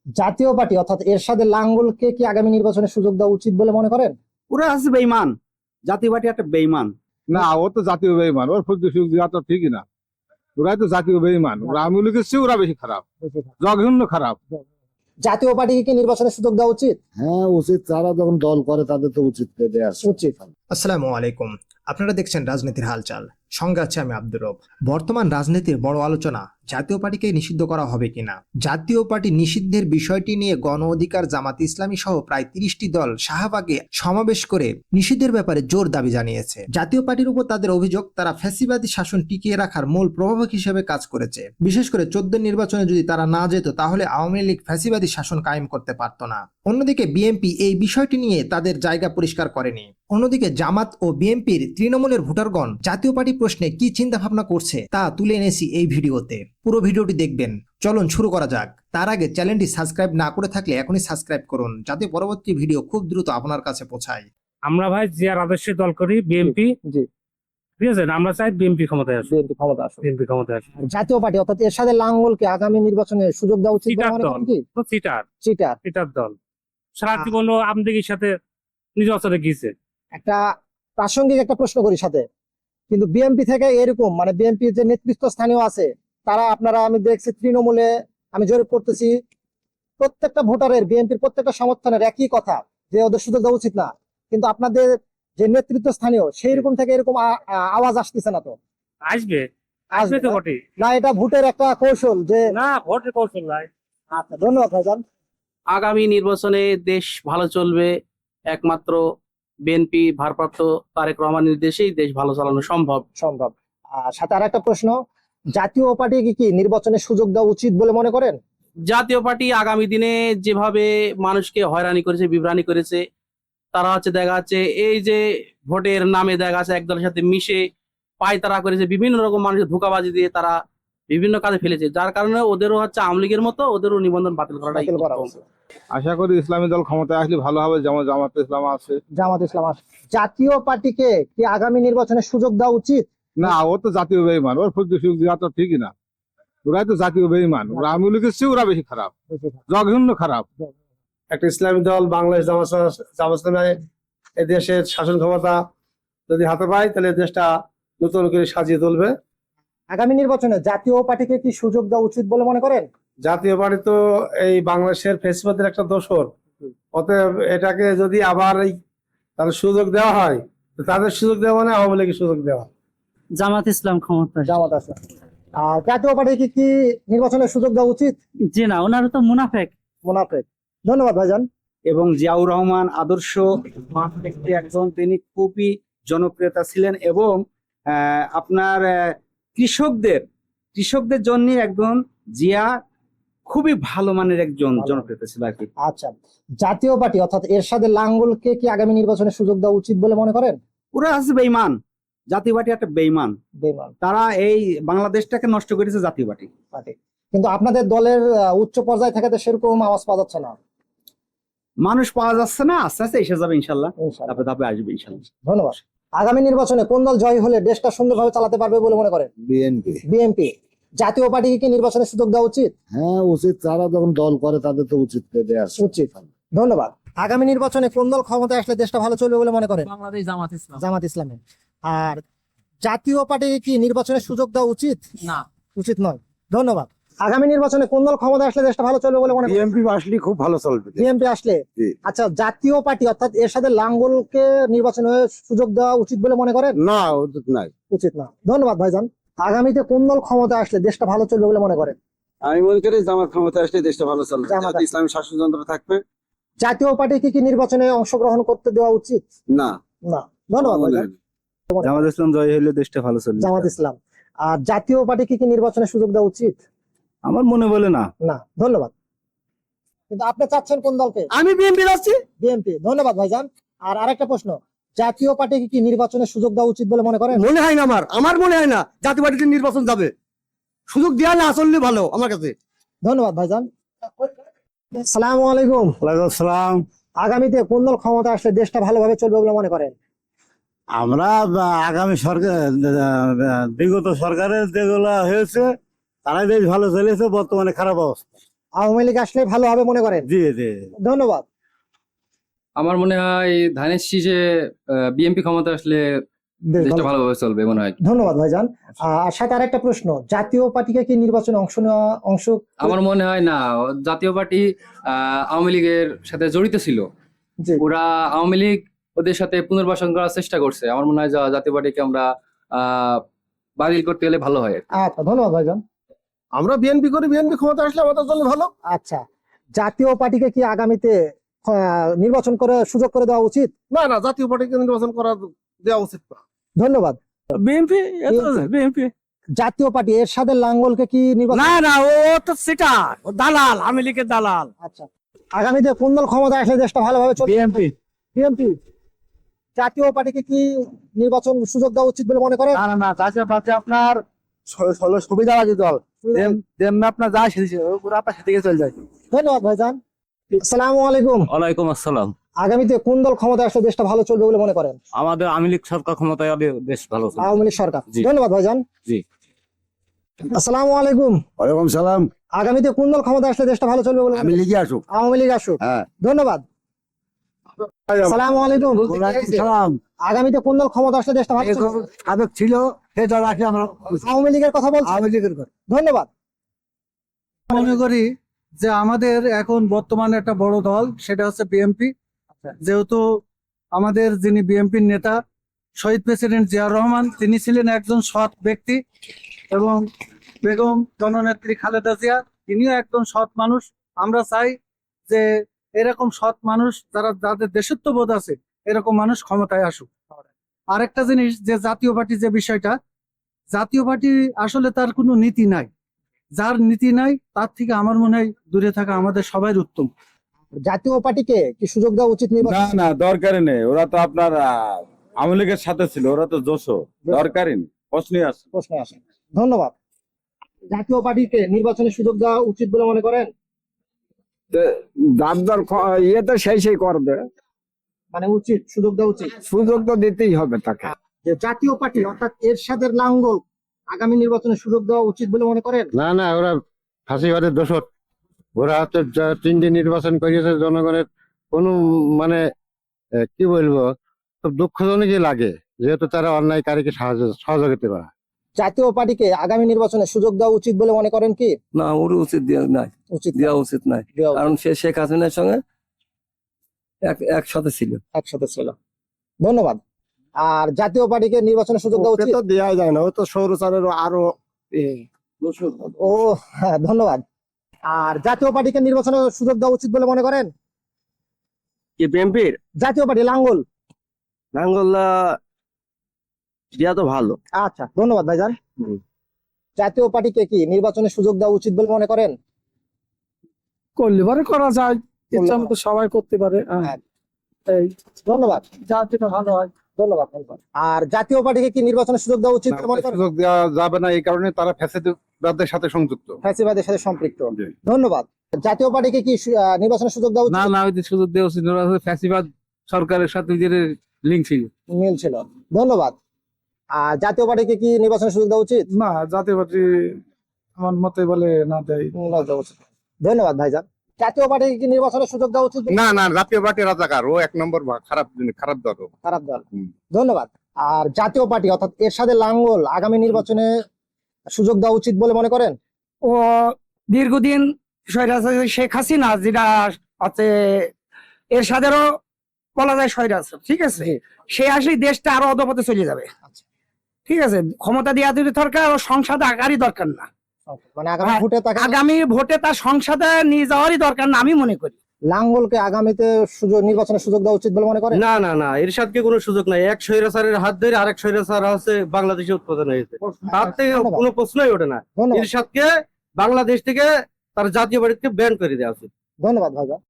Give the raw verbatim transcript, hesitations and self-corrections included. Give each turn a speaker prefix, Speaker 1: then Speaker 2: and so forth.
Speaker 1: জাতীয় পার্টি অর্থাৎ এরশাদের লাঙ্গলকে কি আগামী নির্বাচনে সুযোগ দেওয়া উচিত বলে মনে করেন?
Speaker 2: ওরা আছে বেঈমান। জাতীয় পার্টি একটা বেঈমান।
Speaker 3: না, ও তো জাতীয় বেঈমান, ওর ফুল সুযোগ দেওয়া তো ঠিকই না। ওরাই তো জাতীয় বেঈমান, ওরা আওয়ামী লীগের চেয়ে ওরা বেশি খারাপ, জঘন্য খারাপ।
Speaker 1: জাতীয় পার্টিকে কি নির্বাচনে সুযোগ দেওয়া উচিত?
Speaker 4: হ্যাঁ উচিত, তারা যখন দল করে তাদের তো উচিত দেওয়া
Speaker 1: উচিত।
Speaker 5: আসসালামু আলাইকুম, আপনারা দেখছেন রাজনীতির হালচাল, সঙ্গে আছে আমি আব্দুর রব। বর্তমান রাজনীতির বড় আলোচনা জাতীয় পার্টিকে নিষিদ্ধ করা হবে কিনা। জাতীয় পার্টি নিষিদ্ধের বিষয়টি নিয়ে গণ অধিকার, জামাত ইসলামী সহ প্রায় তিরিশটি দল শাহবাগে সমাবেশ করে নিষিদ্ধের ব্যাপারে জোর দাবি জানিয়েছে। জাতীয় পার্টির উপর তাদের অভিযোগ, তারা ফ্যাসিবাদী শাসন টিকিয়ে রাখার মূল প্রভাবক হিসেবে কাজ করেছে। বিশেষ করে চোদ্দ নির্বাচনে যদি তারা না যেত তাহলে আওয়ামী লীগ ফ্যাসিবাদী শাসন কায়েম করতে পারত না। অন্যদিকে বিএনপি এই বিষয়টি নিয়ে তাদের জায়গা পরিষ্কার করেনি। অন্যদিকে জামাত ও বিএনপির তৃণমূলের ভোটারগণ জাতীয় পার্টি প্রশ্নে কি চিন্তা ভাবনা করছে তা তুলে এনেছি এই ভিডিওতে। পুরো ভিডিওটি দেখবেন। চলুন শুরু করা যাক। তার আগে চ্যানেলটি সাবস্ক্রাইব না করে থাকলে এখনই সাবস্ক্রাইব করুন, যাতে পরবর্তী ভিডিও খুব দ্রুত আপনার কাছে পৌঁছায়।
Speaker 6: আমরা ভাই জিয়ার আদর্শে দল করি বিএনপি।
Speaker 1: জি,
Speaker 6: ঠিক আছে, আমরা চাই বিএনপি ক্ষমতায় আসে।
Speaker 1: বিএনপি ক্ষমতা আসুক।
Speaker 6: বিএনপি ক্ষমতায় আসে।
Speaker 1: জাতীয় পার্টি অর্থাৎ এরশাদের লাঙ্গলকে আগামী নির্বাচনে সুযোগ দেওয়া উচিত বলে
Speaker 6: চিটার
Speaker 1: মনে
Speaker 6: দল
Speaker 1: করেন কি?
Speaker 6: তো চিটার
Speaker 1: চিটার
Speaker 6: চিটার দল সারা জীবন আমদিগির সাথে নিজের অচরে গিয়েছে।
Speaker 1: একটা প্রাসঙ্গিক একটা প্রশ্ন করি সাথে, কিন্তু বিএনপি থেকে এরকম মানে বিএনপি যে নেতৃত্ব স্থানীয় আছে তারা, আপনারা আমি দেখছি তৃণমূলে আমি জরিপ করতেছি, প্রত্যেকটা ভোটারের বিএনপির প্রত্যেকটা সমর্থনের একই কথা যে ওদের সুযোগ দেওয়া উচিত না, কিন্তু আপনাদের যে নেতৃত্ব স্থানীয় সেই রকম থেকে এরকম আ- আ- আওয়াজ আসতেছে না। তো
Speaker 6: আসবে আসবে তো বটে।
Speaker 1: না, এটা ভোটের একটা কৌশল যে
Speaker 6: না, ভোটের কৌশল নাই।
Speaker 1: আচ্ছা, ধন্যবাদ ভাইজান।
Speaker 2: আগামী নির্বাচনে দেশ ভালো চলবে একমাত্র বিএনপি ভারপ্রাপ্ত তারেক রহমানের নির্দেশেই দেশ ভালো চালানো সম্ভব।
Speaker 1: সম্ভব। আর সাথে আর একটা প্রশ্ন, জাতীয় পার্টিকে কি নির্বাচনে সুযোগ দেওয়া উচিত বলে মনে করেন?
Speaker 2: জাতীয় পার্টি আগামী দিনে যেভাবে মানুষকে হয়রানি করেছে, বিভ্রানি করেছে, তারা হচ্ছে দেখা যাচ্ছে এই যে ভোটের নামে দেখা যাচ্ছে একদলের সাথে মিশে পায়তারা করেছে, বিভিন্ন রকম মানুষের ধোঁকাবাজি দিয়ে তারা বিভিন্ন কাজে ফেলেছে, যার কারণে ওদেরও হচ্ছে আওয়ামী লীগের মতো ওদেরও নিবন্ধন বাতিল করাটাই
Speaker 1: বাতিল করা
Speaker 2: উত্তম।
Speaker 1: উচিত।
Speaker 3: আশা করি ইসলামী দল ক্ষমতায় আসলে ভালো হবে, যেমন জামাত ইসলাম আছে।
Speaker 1: জামাত ইসলাম আস- জাতীয় পার্টিকে কি আগামী নির্বাচনে সুযোগ দেওয়া উচিত?
Speaker 3: না, ও তো জাতীয় বেঈমান, ওর ফুল সুযোগ দেওয়া তো ঠিকই না। ওরাই তো জাতীয় বেঈমান, ওরা আওয়ামী লীগের চেয়ে ওরা বেশি খারাপ, জঘন্য খারাপ।
Speaker 7: একটা ইসলামী দল বাংলাদেশ জামাত জামাত ইসলামী এই দেশের শাসন ক্ষমতা যদি হাতে পায় তাহলে দেশটা নতুন করে সাজিয়ে তুলবে।
Speaker 1: আগামী নির্বাচনে জাতীয় পার্টিকে কি সুযোগ দেওয়া উচিত বলে মনে করেন?
Speaker 7: জাতীয় পার্টি তো এই বাংলাদেশের ফেসিবাদের একটা দোসর, অতএব এটাকে যদি আবার এই তার সুযোগ দেওয়া হয় তো তাদের সুযোগ দেওয়া মানে আওয়ামী লীগের সুযোগ দেওয়া।
Speaker 8: জামাত ইসলাম ক্ষমতা।
Speaker 1: জামাত আছে। আর জাতীয় পার্টিকে কি নির্বাচনে সুযোগ দেওয়া উচিত?
Speaker 8: জি না, ওনারা তো মুনাফেক।
Speaker 1: মুনাফেক। ধন্যবাদ ভাইজান।
Speaker 2: এবং জিয়াউর রহমান আদর্শ ব্যক্তি একজন, তিনি খুবই জনপ্রিয়তা ছিলেন এবং আহ, আপনার আহ, কৃষকদের কৃষকদের জন্য একজন জিয়া খুবই ভালো মানের একজন
Speaker 1: ভালো।
Speaker 2: জনপ্রিয়তা ছিল আর কি।
Speaker 1: আচ্ছা, জাতীয় পার্টি অর্থাৎ এরশাদের লাঙ্গলকে কি আগামী নির্বাচনে সুযোগ দেওয়া উচিত বলে মনে করেন?
Speaker 2: ওরা আছে বেঈমান। জাতীয় পার্টি একটা বেঈমান।
Speaker 1: বেমান
Speaker 2: তারা এই বাংলাদেশটাকে নষ্ট করেছে জাতীয় পার্টি।
Speaker 1: পার্টি, কিন্তু আপনাদের দলের আহ, উচ্চ পর্যায় থেকে তো সেরকম আওয়াজ পাওয়া যাচ্ছে না।
Speaker 2: মানুষ পাওয়া যাচ্ছে না, আস্তে আস্তে এসে যাবে ইনশাল্লাহ,
Speaker 1: ইনশাআল্লাহ।
Speaker 2: ধাপে ধাপে আসবে ইনশাল্লাহ।
Speaker 1: ধন্যবাদ। আগামী নির্বাচনে কোন দল জয় হলে দেশটা সুন্দরভাবে চালাতে পারবে বলে মনে করেন?
Speaker 4: বিএনপি।
Speaker 1: বিএনপি। জাতীয় পার্টিকে কি নির্বাচনে সুযোগ দেওয়া উচিত?
Speaker 4: হ্যাঁ উচিত, তারা যখন দল করে তাদের তো উচিত দেওয়া
Speaker 1: উচিত। ধন্যবাদ। আগামী নির্বাচনে কোন দল ক্ষমতায় আসলে দেশটা ভালো চলবে বলে মনে করেন?
Speaker 8: বাংলাদেশ জামাত ইসলাম।
Speaker 1: জামাত ইসলামী। আর জাতীয় পার্টিকে কি নির্বাচনে সুযোগ দেওয়া উচিত?
Speaker 8: না,
Speaker 1: উচিত নয়। ধন্যবাদ। আগামী নির্বাচনে কোন দল ক্ষমতায় আসলে দেশটা ভালো চলবে বলে মনে করেন?
Speaker 4: বিএনপি আসলে খুব ভালো চলবে।
Speaker 1: বিএনপি আসলে।
Speaker 4: জি।
Speaker 1: আচ্ছা, জাতীয় পার্টি অর্থাৎ এর সাথে লাঙ্গলকে নির্বাচনে সুযোগ দেওয়া উচিত বলে মনে করেন?
Speaker 4: না উচিত নাই।
Speaker 1: উচিত না। ধন্যবাদ ভাইজান। আগামীতে কোন দল ক্ষমতায় আসলে দেশটা ভালো চলবে বলে মনে করেন?
Speaker 9: আমি মনে করি জামাত ক্ষমতা আসলে দেশটা ভালো চলবে,
Speaker 1: জামাত
Speaker 9: যাতে ইসলামী শাসনতন্ত্র থাকবে।
Speaker 1: জাতীয় পার্টিকে কি নির্বাচনে অংশগ্রহণ করতে দেওয়া উচিত?
Speaker 9: না,
Speaker 1: না। ধন্যবাদ ভাইজান।
Speaker 9: জামাত ইসলাম জয় হলে দেশটা ভালো চলবে।
Speaker 1: জামাত ইসলাম। আর জাতীয় পার্টিকে কি নির্বাচনে সুযোগ দেওয়া উচিত?
Speaker 9: আমার মনে বলে না।
Speaker 1: না। ধন্যবাদ। কিন্তু আপনি চাচ্ছেন কোন দলকে?
Speaker 7: আমি বিএনপি আছি।
Speaker 1: বিএনপি। ধন্যবাদ ভাইজান। আর আরেকটা প্রশ্ন, জাতীয় পার্টিকে কি নির্বাচনে সুযোগ দেওয়া উচিত বলে মনে করেন?
Speaker 7: মনে হয় না, আমার আমার মনে হয় না জাতীয় পার্টিতে নির্বাচন যাবে। সুযোগ দেওয়া না চললে ভালো আমার কাছে।
Speaker 1: ধন্যবাদ ভাইজান। আসসালামু আলাইকুম।
Speaker 4: ওয়ালাইকুম আসসালাম।
Speaker 1: আগামীতে কোন দল ক্ষমতা আসলে দেশটা ভালোভাবে চলবে বলে মনে করেন?
Speaker 4: আমরা আগামী সরকার বিগত সরকারের যেগুলো হয়েছে তারাই বেশ ভালো চলেছে, বর্তমানে খারাপ অবস্থা।
Speaker 1: আওয়ামী লীগ আসলে ভালো হবে মনে করেন?
Speaker 9: জি জি
Speaker 1: ধন্যবাদ।
Speaker 10: আমার মনে হয় ধানের শীষে বিএনপি ক্ষমতা আসলে
Speaker 1: বেশ
Speaker 10: দেশটা
Speaker 1: ভালো।
Speaker 10: ভালোভাবে চলবে মনে হয়।
Speaker 1: ধন্যবাদ ভাইজান। আর সাথে আরেকটা প্রশ্ন, জাতীয় পার্টিকে কি নির্বাচনে অংশ নেওয়া অংশ
Speaker 10: আমার মনে হয় না, জাতীয় পার্টি আহ, আওয়ামী লীগের সাথে জড়িত ছিল।
Speaker 1: জি,
Speaker 10: ওরা আওয়ামী লীগ ওদের সাথে পুনর্বাসন করার চেষ্টা করছে। আমার মনে হয় যা- জাতীয় পার্টিকে আমরা আহ বাতিল করতে গেলে ভালো হয়।
Speaker 1: আচ্ছা ধন্যবাদ ভাইজান।
Speaker 7: আমরা বিএনপি করি, বিএনপি ক্ষমতা আসলে আমাদের জন্য ভালো।
Speaker 1: আচ্ছা, জাতীয় পার্টিকে কি আগামীতে আহ, নির্বাচন করে সুযোগ করে দেওয়া উচিত?
Speaker 7: না না, জাতীয় পার্টিকে নির্বাচন করা দেওয়া উচিত না।
Speaker 1: ধন্যবাদ।
Speaker 6: বিএনপি বিএনপি
Speaker 1: জাতীয় পার্টি এরশাদের লাঙ্গলকে কি নির্বাচন?
Speaker 6: না না, ও তো সেটা দালাল, আওয়ামী লীগের দালাল।
Speaker 1: আচ্ছা, আগামীতে কোন দল ক্ষমতা আসলে দেশটা ভালোভাবে চলবে?
Speaker 6: BNP
Speaker 1: BNP. জাতীয় পার্টিকে কি নির্বাচন সুযোগ দেওয়া উচিত বলে মনে করেন?
Speaker 9: না না না জাতীয় পার্টি আপনার সুবিধাবাদী দল, যেমনি আপনার যা সেদিকে পুরো আপনার সেদিকে চলে যায়।
Speaker 1: ধন্যবাদ ভাইজান। আসসালামু আলাইকুম।
Speaker 9: ওয়ালাইকুম আসসালাম।
Speaker 1: আগামীতে কোন দল ক্ষমতা আসলে দেশটা ভালো চলবে বলে মনে করেন?
Speaker 9: আমাদের আওয়ামী লীগ সরকার ক্ষমতায় এলে বেশ ভালো চলবে।
Speaker 1: আওয়ামী লীগ সরকার।
Speaker 9: জি।
Speaker 1: ধন্যবাদ ভাইজান।
Speaker 9: জি।
Speaker 1: আসসালামু আলাইকুম।
Speaker 4: ওয়ালাইকুম সালাম।
Speaker 1: আগামীতে কোন দল ক্ষমতা আসলে দেশটা ভালো চলবে বলে মনে
Speaker 4: আমি
Speaker 1: করেন?
Speaker 4: লিখে আসুক।
Speaker 1: আওয়ামী লীগ আসুক।
Speaker 4: হ্যাঁ।
Speaker 1: ধন্যবাদ। আসসালামু আলাইকুম।
Speaker 4: ওয়ালাইকুম সালাম।
Speaker 1: আগামীতে কোন দল ক্ষমতা আসলে দেশটা ভালো চলবে?
Speaker 4: সাবেক ছিল সে দল আসলে আমরা
Speaker 1: আওয়ামী লীগের কথা বলছি।
Speaker 4: আওয়ামী লীগের কথা।
Speaker 1: ধন্যবাদ।
Speaker 11: মনে করি যে আমাদের এখন বর্তমানে একটা বড় দল, সেটা হচ্ছে বিএনপি। যেহেতু আমাদের যিনি বিএনপির নেতা শহীদ প্রেসিডেন্ট জিয়াউর রহমান, তিনি ছিলেন একজন সৎ ব্যক্তি, এবং বেগম জননেত্রী খালেদা জিয়া তিনিও একজন সৎ মানুষ। আমরা চাই যে এরকম সৎ মানুষ, যারা যাদের দেশত্ববোধ আছে, এরকম মানুষ ক্ষমতায় আসুক। আরেকটা জিনিস, যে জাতীয় পার্টি যে বিষয়টা, জাতীয় পার্টি আসলে তার কোনো নীতি নাই। যার নীতি নাই তার থেকে আমার মনে হয় দূরে থাকা আমাদের সবাই উত্তম।
Speaker 1: জাতীয় পার্টিকে কি সুযোগ দেওয়া উচিত
Speaker 9: না
Speaker 1: নির্বাচন?
Speaker 9: না দরকারই নেই, ওরা তো আপনার আহ, আওয়ামী লীগের সাথে ছিল, ওরা তো জোশো, দরকারই নেই, প্রশ্নই আসে।
Speaker 1: প্রশ্নে আসেন। ধন্যবাদ। জাতীয় পার্টিকে নির্বাচনের সুযোগ দেওয়া উচিত বলে মনে করেন?
Speaker 4: যার দল ইয়ে তো সেই সেই করবে,
Speaker 1: মানে উচিত, সুযোগ দেওয়া উচিত।
Speaker 4: সুযোগ তো দিতেই হবে তাকে।
Speaker 1: যে জাতীয় পার্টি অর্থাৎ এরশাদের লাঙ্গল আগামী নির্বাচনে সুযোগ দেওয়া উচিত বলে মনে করেন?
Speaker 3: না না, ওরা ফাঁসিবাদের দোষর। ওরা হচ্ছে যা- তিনটি নির্বাচন করিয়েছে, জনগণের কোনো মানে আহ, কি বলবো, খুব দুঃখজনকই লাগে, যেহেতু তারা অন্যায়কারীকে সাহায্য সহযোগিতা করে।
Speaker 1: জাতীয় পার্টিকে আগামী নির্বাচনে সুযোগ দেওয়া উচিত বলে মনে করেন কি?
Speaker 9: না ওর উচিত দেওয়া নাই,
Speaker 1: উচিত না।
Speaker 9: দেওয়া উচিত নাই,
Speaker 1: দেওয়া উচিত।
Speaker 9: কারণ সে শেখ হাসিনার সঙ্গে এক একসাথে ছিল।
Speaker 1: একসাথে ছিল। ধন্যবাদ। আর জাতীয় পার্টিকে নির্বাচনের সুযোগ দেওয়া উচিত?
Speaker 4: দেওয়া যায় না, ও তো সৌরচারের আরো
Speaker 1: ও হ্যাঁ, ধন্যবাদ। আর জাতীয় পার্টিকে নির্বাচনের সুযোগ দেওয়া উচিত বলে মনে করেন?
Speaker 9: কি বিএনপির
Speaker 1: জাতীয় পার্টি লাঙ্গল।
Speaker 9: নাঙ্গল্লা দিয়া তো ভালো।
Speaker 1: আচ্ছা ধন্যবাদ ভাইজান। জাতীয় পার্টিকে কি নির্বাচনের সুযোগ দেওয়া উচিত বলে মনে করেন?
Speaker 11: করলে পারে করা যায়,
Speaker 1: ইচ্ছা মতো
Speaker 11: সবাই করতে পারে।
Speaker 1: এই ধন্যবাদ।
Speaker 11: জাতিটা ভালো হয়।
Speaker 1: ধন্যবাদ ধন্যবাদ। আর জাতীয় পার্টিকে কি নির্বাচনের সুযোগ দেওয়া উচিত বলে মনে করেন?
Speaker 3: সুযোগ দেওয়া যাবে না, এই কারণে তারা ফ্যাসিবাদের সাথে সংযুক্ত।
Speaker 1: ফ্যাসিবাদের সাথে সম্পৃক্ত।
Speaker 3: জি।
Speaker 1: ধন্যবাদ। জাতীয় পার্টিকে কি সু- আহ, নির্বাচনের সুযোগ দেওয়া উচিত?
Speaker 6: না ওই সুযোগ দেওয়া উচিত, ফ্যাসিবাদ সরকারের সাথে লিঙ্ক ছিল।
Speaker 1: মিল ছিল। ধন্যবাদ। আর জাতীয় পার্টিকে কি নির্বাচনের সুযোগ দেওয়া উচিত?
Speaker 11: না, জাতীয় পার্টি আমার মতে বলে না দেয়।
Speaker 1: না, দেওয়া উচিত। ধন্যবাদ ভাইজান। জাতীয় পার্টিকে কি নির্বাচনের সুযোগ দেওয়া উচিত?
Speaker 3: না না, জাতীয় পার্টি রাজাকার, ও এক নম্বর ভা- খারাপ জিনিস, খারাপ দল ও।
Speaker 1: খারাপ দল।
Speaker 3: হুম।
Speaker 1: ধন্যবাদ। আর জাতীয় পার্টি অর্থাৎ এরশাদের লাঙ্গল আগামী নির্বাচনে সুযোগ দেওয়া উচিত বলে মনে করেন?
Speaker 11: ও দীর্ঘদিন স্বৈরাচার শেখ হাসিনা, যেটা আছে এর সাথেও বলা যায় স্বৈরাচার, ঠিক আছে, সে আসলে দেশটা আরো অধপথে চলে যাবে। ঠিক আছে, ক্ষমতা দেওয়া যদি দরকার, ও সংসদে আগারই দরকার না।
Speaker 1: মানে আগামী
Speaker 11: হ্যাঁ,
Speaker 1: ভোটে তাকে
Speaker 11: আগামী ভোটে তার সংসদে নিয়ে যাওয়ারই দরকার না, আমি মনে করি।
Speaker 1: লাঙ্গলকে আগামীতে সুযোগ নির্বাচনের সুযোগ দেওয়া উচিত বলে মনে করেন?
Speaker 2: না না না, এরশাদকে কোনো সুযোগ নাই। এক স্বৈরাচারের হাত ধরে আরেক স্বৈরাচার হচ্ছে বাংলাদেশে উৎপাদন হয়েছে, তার থেকে কোনো প্রশ্নই ওঠে না।
Speaker 1: ধন্যবাদ।
Speaker 2: এরশাদকে বাংলাদেশ থেকে তার জাতীয় পার্টিকে ব্যান করে দেওয়া উচিত।
Speaker 1: ধন্যবাদ ভাইজান।